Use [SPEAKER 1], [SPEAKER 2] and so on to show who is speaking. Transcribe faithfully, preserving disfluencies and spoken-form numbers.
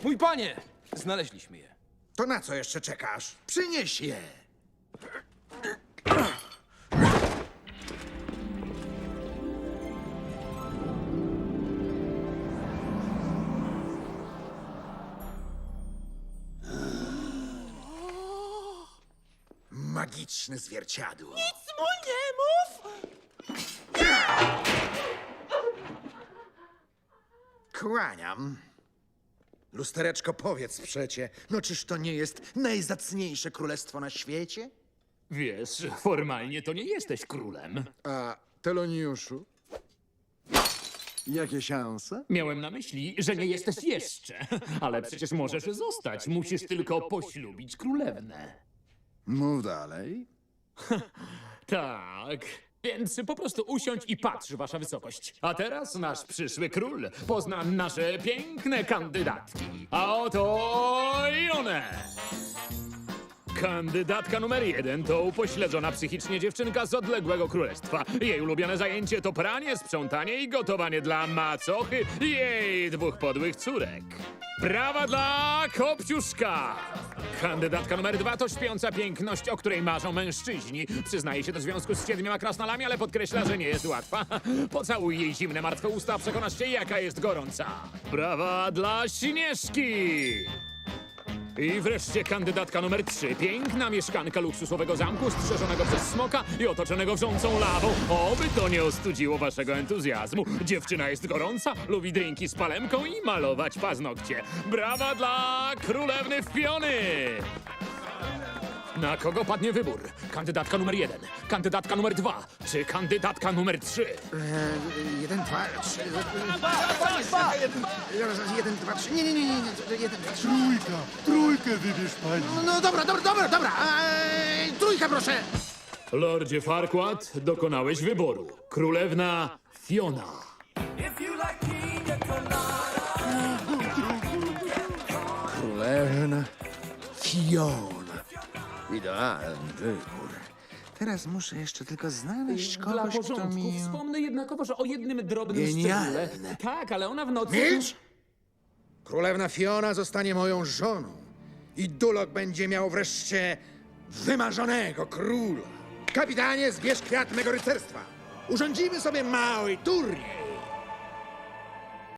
[SPEAKER 1] Mój panie! Znaleźliśmy je.
[SPEAKER 2] To na co jeszcze czekasz? Przynieś je! Magiczne zwierciadło.
[SPEAKER 3] Nic mu nie mów!
[SPEAKER 2] Kłaniam. Lustereczko, powiedz przecie, no czyż to nie jest najzacniejsze królestwo na świecie?
[SPEAKER 4] Wiesz, formalnie to nie jesteś królem.
[SPEAKER 5] A Teloniuszu? Jakie szanse?
[SPEAKER 4] Miałem na myśli, że nie jesteś jeszcze. Ale przecież możesz zostać. Musisz tylko poślubić królewnę.
[SPEAKER 5] Mów dalej.
[SPEAKER 4] Tak. Więc po prostu usiądź i patrz, wasza wysokość. A teraz nasz przyszły król pozna nasze piękne kandydatki. A oto i one! Kandydatka numer jeden to upośledzona psychicznie dziewczynka z odległego królestwa. Jej ulubione zajęcie to pranie, sprzątanie i gotowanie dla macochy i jej dwóch podłych córek. Brawa dla Kopciuszka! Kandydatka numer dwa to śpiąca piękność, o której marzą mężczyźni. Przyznaje się do związku z siedmioma krasnalami, ale podkreśla, że nie jest łatwa. Pocałuj jej zimne, martwe usta, przekonasz się, jaka jest gorąca. Brawa dla Śnieżki! I wreszcie kandydatka numer trzy. Piękna mieszkanka luksusowego zamku, strzeżonego przez smoka i otoczonego wrzącą lawą. Oby to nie ostudziło waszego entuzjazmu. Dziewczyna jest gorąca, lubi drinki z palemką i malować paznokcie. Brawa dla królewny Fiony! Na kogo padnie wybór? Kandydatka numer jeden, kandydatka numer dwa, czy kandydatka numer trzy?
[SPEAKER 2] Eee, jeden, dwa, trzy... Jeden, jeden, dwa, trzy... Nie, nie, nie, nie, nie. Jeden, dwa, trzy...
[SPEAKER 5] Trójka! Trójkę wybierz pani!
[SPEAKER 2] No, no dobra, dobra, dobra, dobra. Eee, trójka, proszę.
[SPEAKER 4] Lordzie Farquaad, dokonałeś wyboru. Królewna Fiona.
[SPEAKER 2] Królewna Fiona. Idealny wybór. Teraz muszę jeszcze tylko znaleźć
[SPEAKER 4] Dla
[SPEAKER 2] kogoś, kto
[SPEAKER 4] porządku
[SPEAKER 2] mi...
[SPEAKER 4] wspomnę jednakowo, że o jednym drobnym
[SPEAKER 2] Genialne.
[SPEAKER 4] szczególe. Tak, ale ona w nocy...
[SPEAKER 2] Milcz! Królewna Fiona zostanie moją żoną. I Dulok będzie miał wreszcie wymarzonego króla. Kapitanie, zbierz kwiat mego rycerstwa. Urządzimy sobie mały turniej.